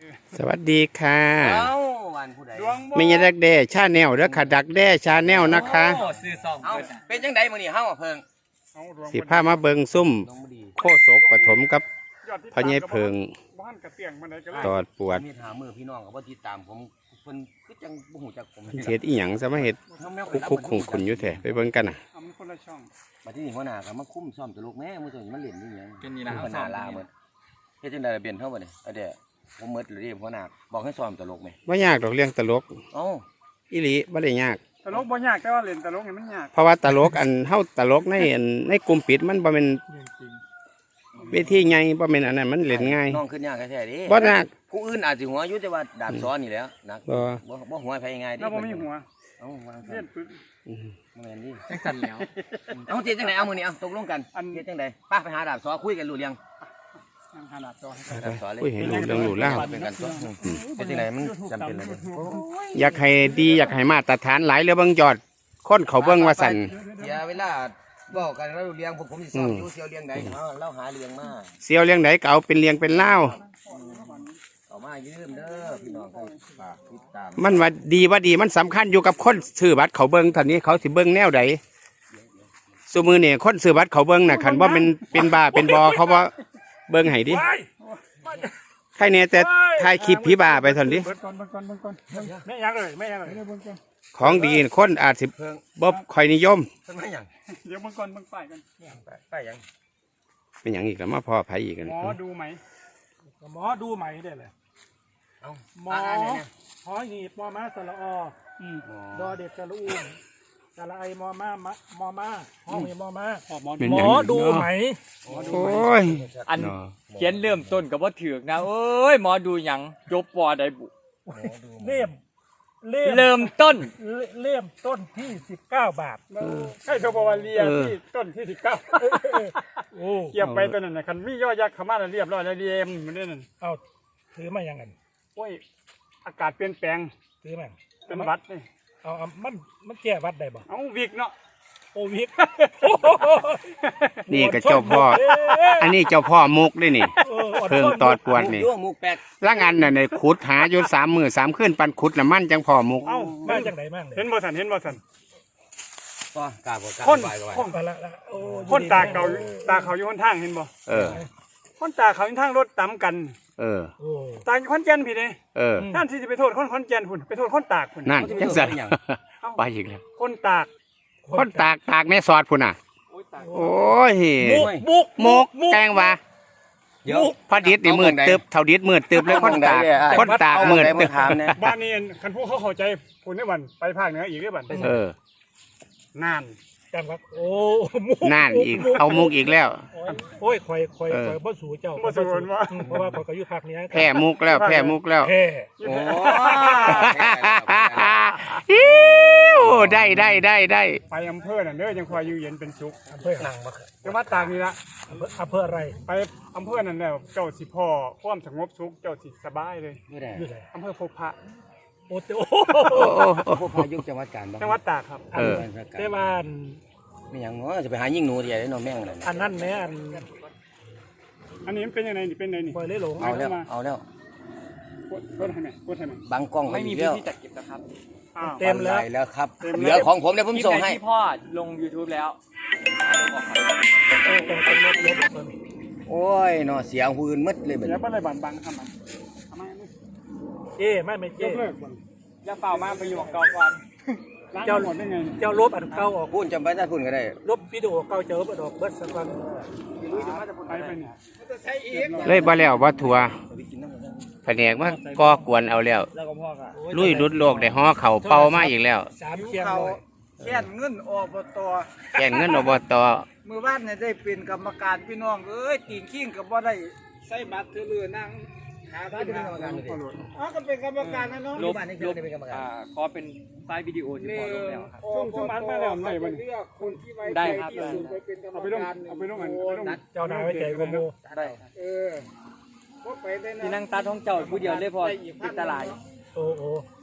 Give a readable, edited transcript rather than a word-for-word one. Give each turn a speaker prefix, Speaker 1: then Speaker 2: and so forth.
Speaker 1: สวัสดีค่ะ
Speaker 2: วันผู้ใด
Speaker 1: ไม่ใช่ดักแด้ชาแนลเด้อค่ะดักแด้ชาแนลนะคะ
Speaker 2: เป็นจังไดมื้อนี้เฮาเพิ่ง
Speaker 1: สิพามาเบิงซุ่มโคศกปฐมกับพญายเพิงตอดปวด
Speaker 2: มีถามมือพี่น้องก็บ่ติดตามผมเพิ่นคือจังบ่ฮู้จักผม
Speaker 1: เฮ็ดอีหยังซะมาเฮ็ดคุกขุนอยู่แท้ไปเบิ่งกันน่ะ
Speaker 2: บัดนี้หัวหน้าก็มาคุมซ้อมตลกแม่มื้อนี้มันเล่นนี่หยัง
Speaker 3: เป็นนี่นะ
Speaker 2: หัวหน้าลาหมดเฮ็ดจังได๋เปลี่ยนเฮาบ่นี่เด้ผมหมดเลยหัวหน้าบอกให้ซ้อมตลกแม่
Speaker 1: บ่ยากดอกเรื่องตลก
Speaker 2: เอ้า
Speaker 1: อีหลีบ่ได้ยาก
Speaker 3: ตลกบ่ยากแต่ว่าเล่นตลกนี่มันยาก
Speaker 1: เพราะว่าตลกเฮาตลกในกลุ่มปิดมันบ่แม่นเวทีใหญ่บ่แม่นอันนั้นมันเล่นง่าย
Speaker 2: น้องขึ้นยากแท้ๆดิ
Speaker 1: บ่ยาก
Speaker 2: ผู้อื่นอาจสิหัวอยู่แต่ว่าดาบซ้อนนี่แหล้วนักบ่หัวไผง่ายดิ
Speaker 3: แล้วบ่มีหัว
Speaker 2: เอ้าวาง
Speaker 3: เล่นปึ๊บ
Speaker 2: แม่นดิ
Speaker 3: จังสั่นแล้ว
Speaker 2: เอาเฮ็ดจังได๋เอามื้อนี้เอาตกลงกันเฮ็ดจังได๋ป้าไปหาดาบซ้อคุยกันรู้เรื่อง
Speaker 3: หาดาบซ้อ
Speaker 1: คุยให้รู้เรื่องรู้แล้ว
Speaker 2: เป็นกันตัวเฮ็ดจังได๋มันจำเป็นเลย
Speaker 1: อยากให้ดีอยากให้มาตรฐานหลายเรือเบิ่งยอดคนเขาเบิ่งว่าสั่น
Speaker 2: อย่าเวลาบอกกันแล้วเลี้ยงผมสิสอนอยู่เสียวเลี้ยงใดเล่าหาเลี้ยงมา
Speaker 1: เสียวเลี้ยงไหนก็เอาเป็นเลี้ยงเป็นเล่า
Speaker 2: เอามายืมเด้อพี่น้องให้ฝากติดตาม
Speaker 1: มันว่าดีมันสำคัญอยู่กับคนซื้อบัตรเขาเบิ่งตอนนี้เขาสิเบิ่งแนวใดซุมื้อนี่คนซื้อบัตรเขาเบิ่งน่ะคันบ่เป็นบ้าเป็นบอเขาบ่เบิ่งให้ดิใครเนี่ยแต่ถ่ายคลิปผีบ้าไปซั่นดิ
Speaker 3: แม่ยังเลย
Speaker 1: ของดีคนอาจสิบ่ค่อยนิยม
Speaker 2: เพิ่นมาหยัง
Speaker 3: เดี๋ยวเบิ่งก่อนเบิ่งป้ายกัน
Speaker 2: ป้ายหยัง
Speaker 1: เป็นหยังอีกแล้วมาพ่อไผอีกกัน
Speaker 3: หมอดูไหมหมอดูไหมได้เลย
Speaker 2: เอ้า
Speaker 3: หมอหอหีบมอม้าสระอดอเด็กสระอูสระไอมอม้ามอม้าหอหีบมอม้าหมอดูไหม
Speaker 1: โอ้ย
Speaker 4: อันเขียนเริ่มต้นกับว่าถือกนะเอ้ยหมอดูหยังจบปอได้บุเริ่มต้น
Speaker 3: ที่19 บาทใช่โชว์บวาเรียที่ต้นที่19เก็บไปตัวนั้นนะคันมีย่อยักษ์ขม่าเรียบร้อยแล้วเรียมมันนี่นั่นเอาถือมายังไงโอ้ยอากาศเปลี่ยนแปลงถือมาเป็นวัดนี่เอามันแก้วัดได้บ่เอาวิกเนาะโอ้วิก
Speaker 1: นี่ก็เจ้าพ่ออันนี้เจ้าพ่อมุกด้วยนี่เพิ่งตอดปวดนี่ละงานน่ะในขุดหาอยู่3 มื้อ 3 คืนปันขุดน่ะมันจังพ่อมุก
Speaker 3: เอ้ามาจังได๋มั่งเห็นบ่สั่น
Speaker 2: ก็กาบ่กา
Speaker 3: คนตาเขาอยู่หนทางเห็นบ่คนตาเขาอยู่ทางรถตำกันตาคนแก่นพี่เด้ท่านที่จะไปโทษคนแก่นพุ่นไปโทษคนตากพุ่น
Speaker 1: นั่นจังซั่นไปอีกแล้ว
Speaker 3: คนต
Speaker 1: ากแม่สอดพุ่นน่ะโอ้ยมุกแกงว่าพอดิษนี่มืดตึบเท่าดิษมืดตึบเลยคนตากมืดตึบ
Speaker 3: บ้านนี้คันผู้เขาเข้าใจพุ่นได้บันไปภาคเหนืออีกได้บันน่านจำครับโอ้
Speaker 1: น่านอีกเอามุกอีกแล้ว
Speaker 3: โอ้ยคอยบ่สู่เจ้าบ่สู่เพราะว่าเขาอยู่ภาคเหนือ
Speaker 1: แพ้มุกแล้วโอ้ได้
Speaker 3: ไปอำเภอนั่นเด้อยังคอยอยู่เย็นเป็นสุขอำเภอหนังมาจังหวัดตากนี่ละอำเภออะไรไปอำเภอนั่นแล้วเจ้าสิพ่อความสงบสุขเจ้าสิสบายเลยอำเภอพบพระโอ้
Speaker 2: พบพระยุคจังหวัดกาญ
Speaker 3: จังหวัดตากครับเทวาน
Speaker 2: ไม่อย่างง้อจะไปหายิ่งหนูเดียวได้นอนแม่งเลย
Speaker 3: อันนั้นแม่อันนี้มันเป็นยังไงนี่เป็นไงนี่
Speaker 2: เอาแล้ว
Speaker 3: กดให้ไหม
Speaker 2: บางกล้อง
Speaker 4: ไม่มีพื้นที่จัดเก็บนะครับ
Speaker 3: เต็ม
Speaker 2: แล้วครับเหลือของผมเดี๋ยวผมส่งให้
Speaker 4: ที่พ่อลง YouTube แล้ว
Speaker 2: โอ้ยเนาะเสียงหืนมืดเลยแบบ
Speaker 3: นี้ไม่เลยบังทำไมไม่เจ๊
Speaker 4: จะเป่ามาไปอยู่กับเก่าก่อน
Speaker 3: เจ้าหมดได้ไงเจ้าลบอันเก่าออก
Speaker 2: พูดจำไปได้พูดก็ได้
Speaker 3: ลบวิดีโอเก่าเจอเปิดออกเบิร์ดสักวัน
Speaker 1: เลยบ่แล้วบ่ทัวแผนกว่าก่อกวนเอาแล้วลุยรุดโลกได้ห่อเข่าเป่ามาอีกแล้ว
Speaker 3: 3 เคียงแค่เงินอบต
Speaker 5: มือบ้านเนี่ยได้เป็นกรรมการพี่น้องตีนขิ้งกับบ่ได้ใส่บัตรถือเรือนั่งหาที่เป็นกรรมการก็เป็นกรรมการนะน้อง
Speaker 4: ลบขอเป็นไฟล์วิดีโอที่พอลงแล้วครับ
Speaker 3: ช่วงบ้านมาแล้วไหนมัน
Speaker 5: คนที่ไว้
Speaker 4: ได้ครับ
Speaker 3: ไปลงเจ้านายไว้ใจกู
Speaker 4: ได้
Speaker 5: ก็ไปได้นะ
Speaker 4: ที่นั่งตาท้องเจ้าผู้เดียวเลยพอติดตลาด
Speaker 3: โอ้